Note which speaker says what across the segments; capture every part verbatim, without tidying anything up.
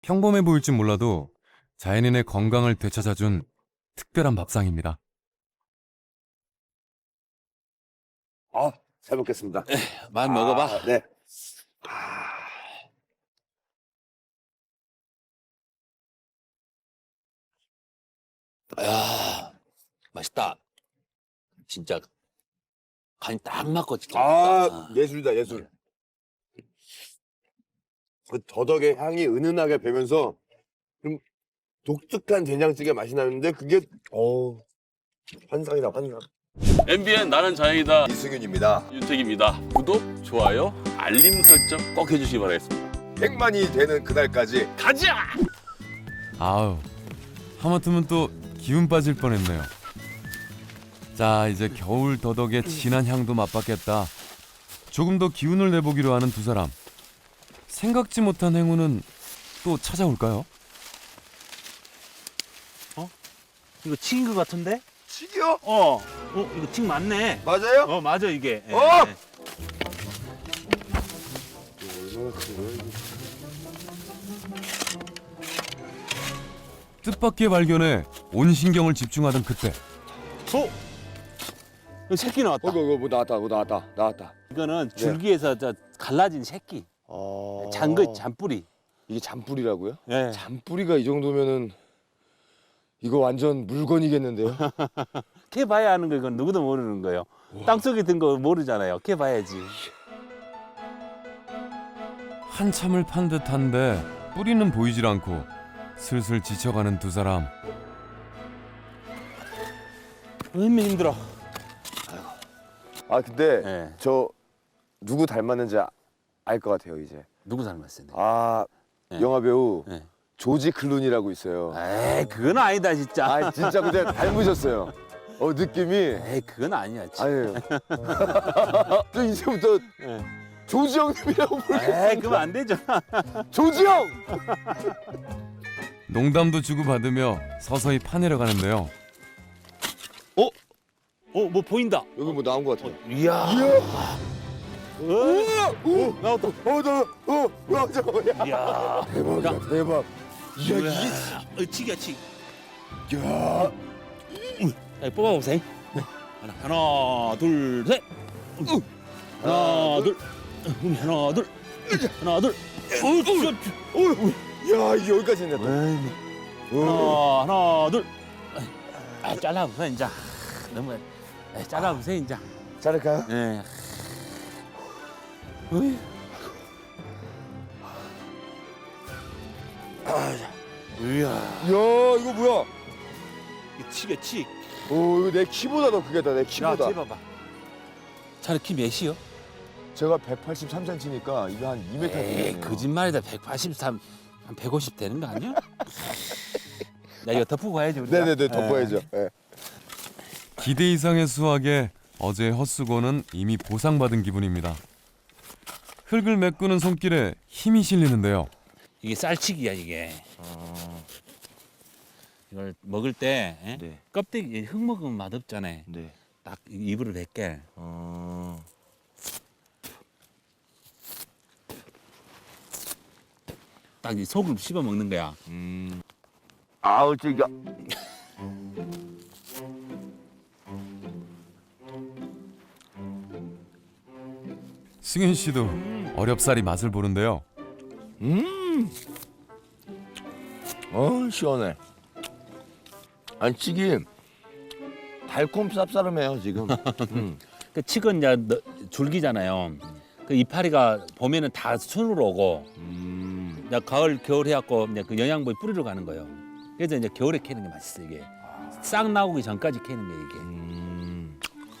Speaker 1: 평범해 보일진 몰라도 자연인의 건강을 되찾아준 특별한 밥상입니다.
Speaker 2: 아, 잘 먹겠습니다.
Speaker 3: 많이 먹어봐.
Speaker 2: 아, 네. 아,
Speaker 3: 야, 맛있다. 진짜 간이 딱 맞고 진짜.
Speaker 2: 아,
Speaker 3: 맛있다.
Speaker 2: 예술이다, 예술. 그 더덕의 향이 은은하게 배면서 좀 독특한 된장찌개 맛이 나는데 그게 어 환상이다, 환상.
Speaker 3: 엠비엔 나는 자연이다.
Speaker 2: 이승윤입니다.
Speaker 3: 윤택입니다. 구독, 좋아요, 알림 설정 꼭 해주시기 바라겠습니다.
Speaker 2: 백만이 되는 그날까지
Speaker 3: 가자!
Speaker 1: 아우, 하마터면 또 기운 빠질 뻔했네요. 자, 이제 겨울 더덕의 진한 향도 맛봤겠다. 조금 더 기운을 내보기로 하는 두 사람. 생각지 못한 행운은 또 찾아올까요?
Speaker 4: 이거 칡인 것 같은데?
Speaker 2: 튀겨?
Speaker 4: 어, 어, 이거 칡 맞네.
Speaker 2: 맞아요?
Speaker 4: 어, 맞아 이게. 예,
Speaker 2: 어!
Speaker 4: 예.
Speaker 2: 얼마나 큰 거야, 이거?
Speaker 1: 뜻밖의 발견에 온 신경을 집중하던 그때
Speaker 4: 어, 이거 새끼 나왔다.
Speaker 2: 어, 이거 뭐 나왔다, 뭐 나왔다, 나왔다.
Speaker 4: 이거는 줄기에서 저 갈라진 새끼.
Speaker 2: 어...
Speaker 4: 잔거 잔뿌리.
Speaker 2: 이게 잔뿌리라고요?
Speaker 4: 예.
Speaker 2: 잔뿌리가 이 정도면은 이거 완전 물건이겠는데요?
Speaker 4: 캐 봐야 하는 거 이건 누구도 모르는 거예요. 땅속에 든 거 모르잖아요. 캐 봐야지.
Speaker 1: 한참을 판 듯한데 뿌리는 보이질 않고 슬슬 지쳐가는 두 사람.
Speaker 4: 얼마나 힘들어.
Speaker 2: 아 근데
Speaker 4: 예.
Speaker 2: 저 누구 닮았는지 알 것 같아요 이제.
Speaker 4: 누구 닮았어요?
Speaker 2: 아
Speaker 4: 네.
Speaker 2: 영화 배우
Speaker 4: 네.
Speaker 2: 조지 클루니라고 있어요.
Speaker 4: 에이, 그건 아니다 진짜.
Speaker 2: 아 진짜 근데 닮으셨어요. 어 느낌이
Speaker 4: 에이, 그건 아니야. 진짜.
Speaker 2: 아니에요. 저 이제부터
Speaker 4: 예.
Speaker 2: 조지 형님이라고
Speaker 4: 에이,
Speaker 2: 부르겠습니다.
Speaker 4: 그러면 안 되죠.
Speaker 2: 조지 형.
Speaker 1: 농담도 주고받으며 서서히 파내려 가는데요.
Speaker 4: 어, 뭐 보인다.
Speaker 2: 여기 뭐 나온 것 같아요.
Speaker 4: 이야.
Speaker 2: 이야.
Speaker 4: 어,
Speaker 2: 우와. 오.
Speaker 4: 나왔다.
Speaker 2: 어, 나, 어, 와, 잠깐만.
Speaker 4: 이야.
Speaker 2: 대박이다, 대박. 이야, 이게,
Speaker 4: 어, 칡이야 칡.
Speaker 2: 야,
Speaker 4: 자, 뽑아보세요. 하나, 하나, 둘, 셋. 하나, 둘. 음, 하나, 둘. 하나, 둘. 어,
Speaker 2: 야, 이게 여기까지 있네. 또. 어.
Speaker 4: 하나, 하나, 둘. 아, 잘라보세요 이제. 너무 아, 잘라보세요 이제.
Speaker 2: 자를까요?
Speaker 4: 예. 어이. 이야.
Speaker 2: 이야, 이거 뭐야?
Speaker 4: 이 칡이야 칡.
Speaker 2: 오, 이거 내 키보다 더 크겠다, 내
Speaker 4: 야,
Speaker 2: 키보다.
Speaker 4: 재봐봐. 자네 키 몇이요?
Speaker 2: 제가 백팔십삼 센티미터니까 이거 한 이 미터
Speaker 4: 에이,
Speaker 2: 되네요.
Speaker 4: 거짓말이다. 백팔십삼, 한 백오십 되는 거 아니야? 야, 이거 덮고 가야지 우리가.
Speaker 2: 네네네, 덮어야죠. 예.
Speaker 1: 기대 이상의 수확에 어제의 헛수고는 이미 보상받은 기분입니다. 흙을 메꾸는 손길에 힘이 실리는데요.
Speaker 4: 이게 쌀치기야 이게. 이걸 먹을 때 에?
Speaker 2: 네.
Speaker 4: 껍데기 흙 먹으면 맛없잖아요.
Speaker 2: 네.
Speaker 4: 딱 입으로 뱉게.
Speaker 2: 어.
Speaker 4: 딱 이 속을 씹어 먹는 거야.
Speaker 2: 음. 아우, 찌가.
Speaker 1: 승윤 씨도 어렵사리 맛을 보는데요.
Speaker 2: 음. 어, 시원해. 아니, 찌기 달콤 쌉싸름해요, 지금. 음.
Speaker 4: 그 칡은 이제 너- 줄기잖아요. 그 이파리가 봄에는 다 순으로 오고,
Speaker 2: 음.
Speaker 4: 이제 가을 겨울 해갖고 이제 그 영양분이 뿌리로 가는 거예요. 그래서 이제 겨울에 캐는 게 맛있어 이게. 싹 나오기 전까지 캐는 거 이게.
Speaker 2: 음.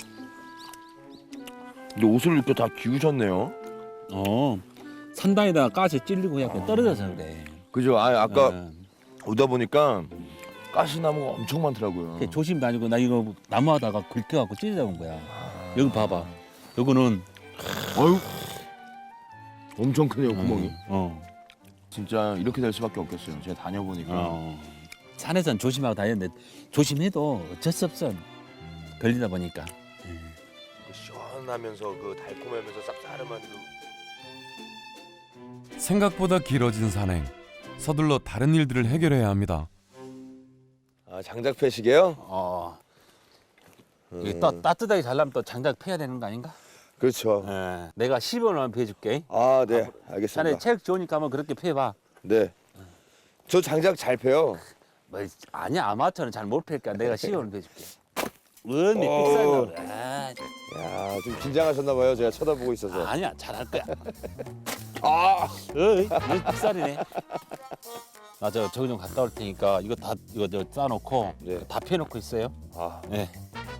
Speaker 2: 근데 옷을 이렇게 다 기우셨네요.
Speaker 4: 어. 산단에다가 가시 찔리고 해갖고 떨어져서 그래.
Speaker 2: 그죠? 아, 아까
Speaker 4: 어.
Speaker 2: 오다 보니까 가시나무가 엄청 많더라고요.
Speaker 4: 그게 조심 다니고 나 이거 나무하다가 긁혀갖고 찔려 온 거야. 여기 봐봐. 요거는
Speaker 2: 아유, 엄청 크네요, 구멍이.
Speaker 4: 어.
Speaker 2: 진짜 이렇게 될 수밖에 없겠어요. 제가 다녀보니까.
Speaker 4: 어. 산에선 조심하고 다녔는데 조심해도 어쩔 수 없어. 걸리다 보니까.
Speaker 2: 그 시원하면서 그 달콤하면서 쌉싸름한 그
Speaker 1: 생각보다 길어진 산행. 서둘러 다른 일들을 해결해야 합니다.
Speaker 2: 아, 장작 패시게요?
Speaker 4: 어. 이게 또 따뜻하게 잘라면 또 장작 패야 되는 거 아닌가?
Speaker 2: 그렇죠.
Speaker 4: 예. 내가 십 원만 패줄게.
Speaker 2: 아, 네.
Speaker 4: 자네
Speaker 2: 알겠습니다.
Speaker 4: 체력 좋으니까 한번 그렇게 패봐.
Speaker 2: 네. 저 장작 잘 패요.
Speaker 4: 뭐, 아니야 아마추어는 잘 못 패니까 내가 십 원을 패줄게. 은이
Speaker 2: 어.
Speaker 4: 삑살나 그래. 아,
Speaker 2: 야, 좀 긴장하셨나 봐요. 제가 쳐다보고 있어서.
Speaker 4: 아니야 잘할 거야.
Speaker 2: 아,
Speaker 4: 어이, 이거 삑살이네. 나 저 저기 좀 갔다 올 테니까 이거 다 이거 저 싸놓고
Speaker 2: 네.
Speaker 4: 다 패놓고 있어요.
Speaker 2: 아,
Speaker 4: 네.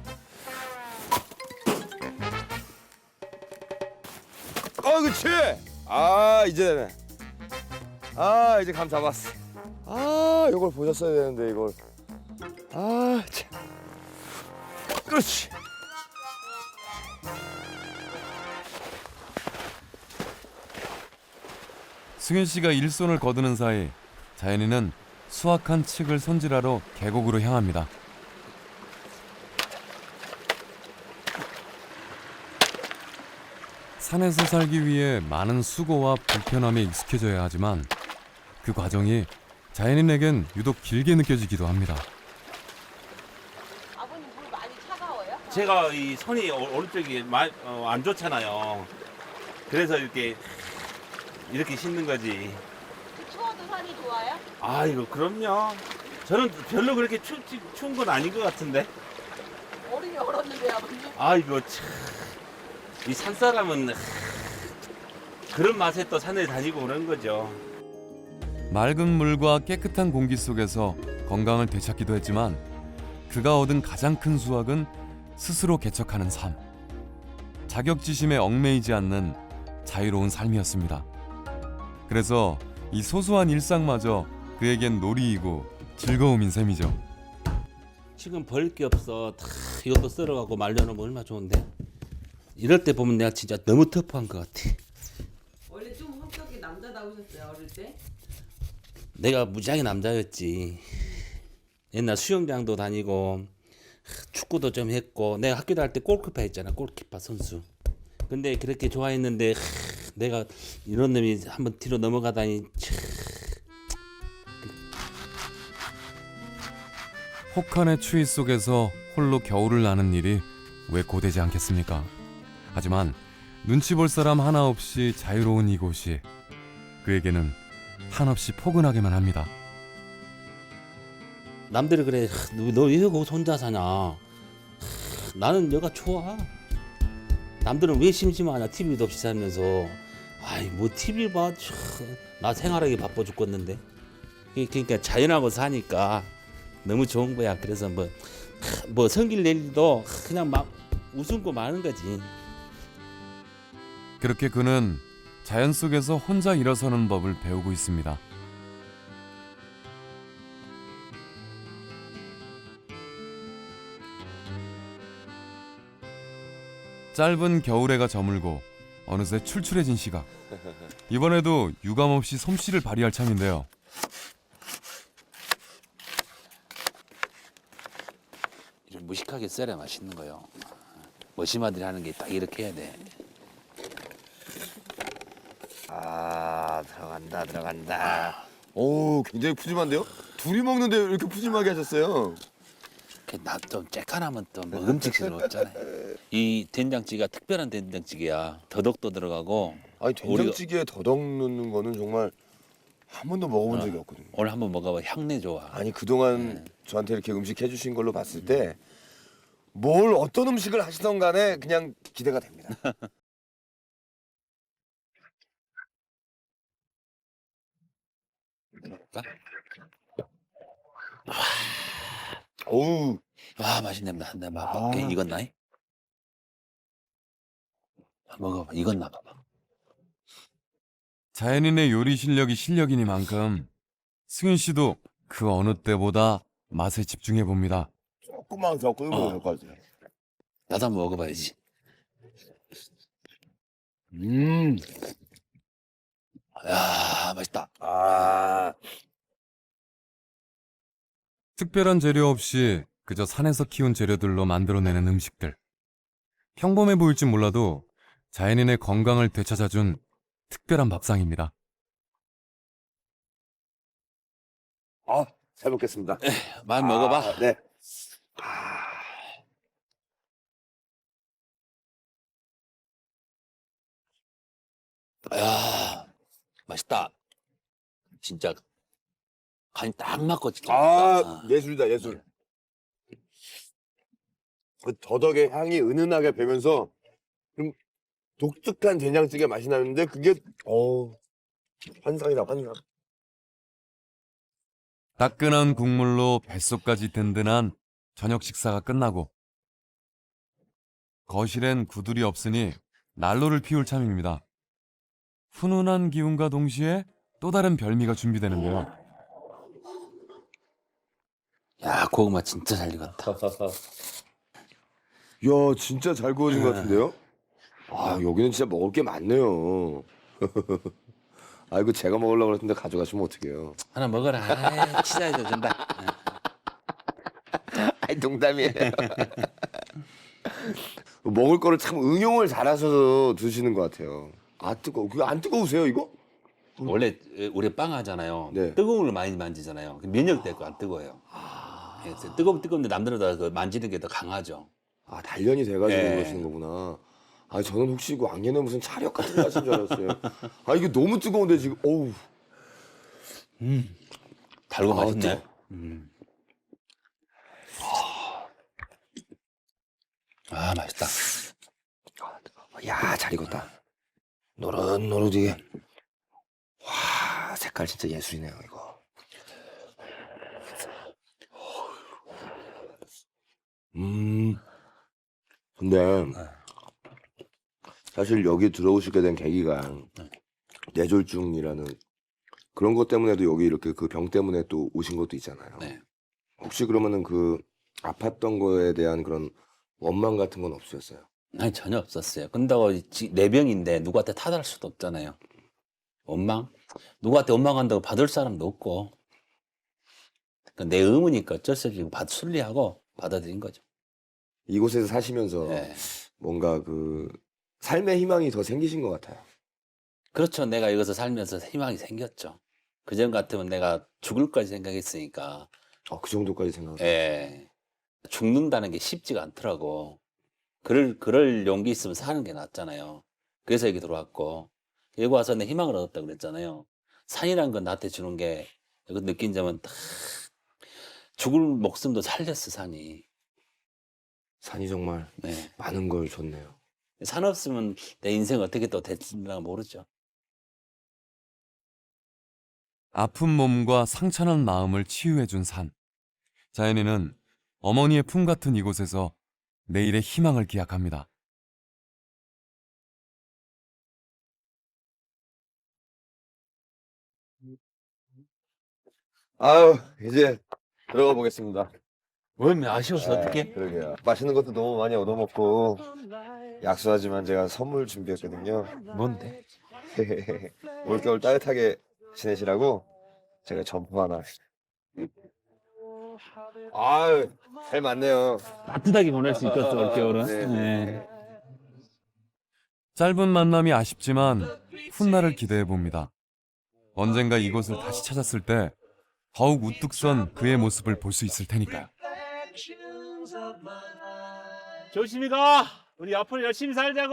Speaker 2: 어, 그렇지. 아, 이제 되네. 아, 이제 감 잡았어. 아, 이걸 보셨어야 되는데 이걸. 아, 참. 그렇지.
Speaker 1: 승윤 씨가 일손을 거두는 사이 자연이는 수확한 칡을 손질하러 계곡으로 향합니다. 산에서 살기 위해 많은 수고와 불편함에 익숙해져야 하지만 그 과정이 자연인에겐 유독 길게 느껴지기도 합니다.
Speaker 5: 아버님 물 많이 차가워요?
Speaker 4: 제가 이 손이 오- 오른쪽이 마- 어, 안 좋잖아요. 그래서 이렇게 이렇게 씻는 거지.
Speaker 5: 추워도 산이 좋아요?
Speaker 4: 아 이거 그럼요. 저는 별로 그렇게 추, 추, 추운 건 아닌 것 같은데.
Speaker 5: 얼음이 얼었는데 아버님.
Speaker 4: 아 이거 참. 이 산사람은 하, 그런 맛에 또 산에 다니고 그런 거죠.
Speaker 1: 맑은 물과 깨끗한 공기 속에서 건강을 되찾기도 했지만 그가 얻은 가장 큰 수확은 스스로 개척하는 삶. 자격지심에 얽매이지 않는 자유로운 삶이었습니다. 그래서 이 소소한 일상마저 그에겐 놀이이고 즐거움인 셈이죠.
Speaker 4: 지금 벌 게 없어. 다 이것도 썰어갖고 말려놓으면 얼마나 좋은데. 이럴 때 보면 내가 진짜 너무 터프한 것 같아.
Speaker 5: 원래 좀 성격이 남자다우셨어요 어릴 때?
Speaker 4: 내가 무지하게 남자였지. 옛날 수영장도 다니고 축구도 좀 했고 내가 학교 다닐 때 골키퍼 했잖아. 골키퍼 선수. 근데 그렇게 좋아했는데 내가 이런 놈이 한번 뒤로 넘어가다니 참.
Speaker 1: 혹한의 추위 속에서 홀로 겨울을 나는 일이 왜 고되지 않겠습니까? 하지만 눈치 볼 사람 하나 없이 자유로운 이곳이 그에게는 한없이 포근하게만 합니다.
Speaker 4: 남들이 그래 너 왜 거기서 혼자 사냐. 나는 여가 좋아. 남들은 왜 심심하냐. 티비도 없이 살면서. 아이 뭐 티비 봐. 참. 나 생활하기 바빠 죽겠는데. 그러니까 자연하고 사니까 너무 좋은 거야. 그래서 뭐, 뭐 성길 낼 일도 그냥 막 웃음고 마는 거지.
Speaker 1: 그렇게 그는 자연 속에서 혼자 일어서는 법을 배우고 있습니다. 짧은 겨울해가 저물고 어느새 출출해진 시각. 이번에도 유감없이 솜씨를 발휘할 참인데요.
Speaker 4: 이런 무식하게 썰어야 맛있는 거요. 머시마들이 하는 게 딱 이렇게 해야 돼.
Speaker 2: 아, 들어간다, 들어간다. 오, 굉장히 푸짐한데요? 둘이 먹는데 왜 이렇게 푸짐하게 하셨어요?
Speaker 4: 나좀 쬐깐하면 또 먹음직스러웠잖아요. 이 된장찌개가 특별한 된장찌개야. 더덕도 들어가고.
Speaker 2: 아니, 된장찌개에 더덕 넣는 거는 정말 한 번도 먹어본 적이 없거든요.
Speaker 4: 오늘 한번 먹어봐. 향내 좋아.
Speaker 2: 아니, 그동안 저한테 이렇게 음식 해주신 걸로 봤을 때 뭘 어떤 음식을 하시던 간에 그냥 기대가 됩니다. 어우,
Speaker 4: 와 맛있네. 나, 나
Speaker 2: 아.
Speaker 4: 맛볼게. 익었나? 먹어봐. 익었나 봐봐.
Speaker 1: 자연인의 요리 실력이 실력이니만큼 승윤 씨도 그 어느 때보다 맛에 집중해 봅니다.
Speaker 2: 조금만 더 끓여도 될 것 같아요.
Speaker 4: 나도 한번 먹어봐야지.
Speaker 2: 음,
Speaker 4: 야 맛있다.
Speaker 2: 아,
Speaker 1: 특별한 재료 없이 그저 산에서 키운 재료들로 만들어내는 음식들. 평범해 보일지 몰라도 자연인의 건강을 되찾아준 특별한 밥상입니다.
Speaker 2: 아, 잘 먹겠습니다.
Speaker 3: 많이 먹어봐.
Speaker 2: 아, 네.
Speaker 3: 야, 맛있다. 진짜 간이 딱 맞고 진짜
Speaker 2: 아,
Speaker 3: 맛있다.
Speaker 2: 예술이다, 예술. 그 더덕의 향이 은은하게 배면서 좀 독특한 된장찌개 맛이 나는데 그게 어 환상이다, 환상.
Speaker 1: 따끈한 국물로 뱃속까지 든든한 저녁 식사가 끝나고 거실엔 구들이 없으니 난로를 피울 참입니다. 훈훈한 기운과 동시에 또 다른 별미가 준비되는데요.
Speaker 3: 야, 고구마 진짜 잘 익었다.
Speaker 2: 이야, 진짜 잘 구워진 것 같은데요? 아, 여기는 진짜 먹을 게 많네요. 아이고, 제가 먹으려고 그랬는데 가져가시면 어떡해요.
Speaker 3: 하나 먹어라. 아, 치사해도 된다.
Speaker 2: 아이, 농담이에요. 먹을 거를 참 응용을 잘하셔서 드시는 것 같아요. 아, 뜨거워. 그거 안 뜨거우세요, 이거?
Speaker 3: 원래 우리 빵 하잖아요.
Speaker 2: 네.
Speaker 3: 뜨거운 걸 많이 만지잖아요. 면역 되고 안 뜨거워요. 그래서 뜨거운 뜨거운데 남들보다 그 만지는 게 더 강하죠.
Speaker 2: 아, 단련이 돼가지고
Speaker 3: 네.
Speaker 2: 그러시는 거구나. 아, 저는 혹시 이거 왕년에 무슨 차력 같은 거 하신 줄 알았어요. 아, 이게 너무 뜨거운데 지금, 어우.
Speaker 3: 달고
Speaker 2: 아,
Speaker 3: 맛있네.
Speaker 2: 뜨거워.
Speaker 3: 음. 아, 맛있다.
Speaker 2: 야, 잘 익었다. 노릇노릇이게. 와, 색깔 진짜 예술이네요, 이거. 음. 근데 사실 여기 들어오시게 된 계기가 뇌졸중이라는 그런 것 때문에도 여기 이렇게 그 병 때문에 또 오신 것도 있잖아요.
Speaker 3: 네.
Speaker 2: 혹시 그러면은 그 아팠던 거에 대한 그런 원망 같은 건 없으셨어요?
Speaker 3: 아니, 전혀 없었어요. 근다고 지- 내 병인데 누구한테 타달할 수도 없잖아요. 원망? 누구한테 원망한다고 받을 사람도 없고. 그러니까 내 의무니까 어쩔 수 없이 받, 순리하고 받아들인 거죠.
Speaker 2: 이곳에서 사시면서
Speaker 3: 네.
Speaker 2: 뭔가 그 삶의 희망이 더 생기신 것 같아요.
Speaker 3: 그렇죠. 내가 여기서 살면서 희망이 생겼죠. 그전 같으면 내가 죽을까지 생각했으니까.
Speaker 2: 어, 그 정도까지 생각.
Speaker 3: 예. 죽는다는 게 쉽지가 않더라고. 그럴, 그럴 용기 있으면 사는 게 낫잖아요. 그래서 여기 들어왔고. 여기 와서 내 희망을 얻었다고 그랬잖아요. 산이란 건 나한테 주는 게, 여기 느낀 점은 딱, 죽을 목숨도 살렸어, 산이.
Speaker 2: 산이 정말
Speaker 3: 네.
Speaker 2: 많은 걸 줬네요.
Speaker 3: 산 없으면 내 인생 어떻게 또 됐을까 모르죠.
Speaker 1: 아픈 몸과 상처난 마음을 치유해준 산. 자연이는 어머니의 품 같은 이곳에서 내일의 희망을 기약합니다.
Speaker 2: 아유, 이제 들어가 보겠습니다.
Speaker 3: 뭘 아쉬워서
Speaker 2: 네,
Speaker 3: 어떻게?
Speaker 2: 그러게요. 맛있는 것도 너무 많이 얻어먹고 약속하지만 제가 선물 준비했거든요.
Speaker 3: 뭔데?
Speaker 2: 올겨울 따뜻하게 지내시라고 제가 점프 하나. 아유, 잘 맞네요.
Speaker 3: 따뜻하게 보낼 수 있겠어, 올겨울은.
Speaker 2: 네.
Speaker 3: 네.
Speaker 1: 짧은 만남이 아쉽지만 훗날을 기대해 봅니다. 언젠가 이곳을 다시 찾았을 때 더욱 우뚝 선 그의 모습을 볼 수 있을 테니까요.
Speaker 6: 조심히 가. 우리 앞으로 열심히 살자고.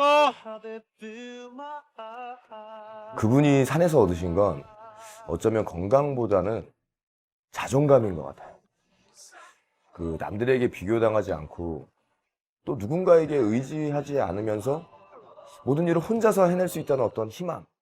Speaker 2: 그분이 산에서 얻으신 건 어쩌면 건강보다는 자존감인 것 같아요. 그 남들에게 비교당하지 않고 또 누군가에게 의지하지 않으면서 모든 일을 혼자서 해낼 수 있다는 어떤 희망.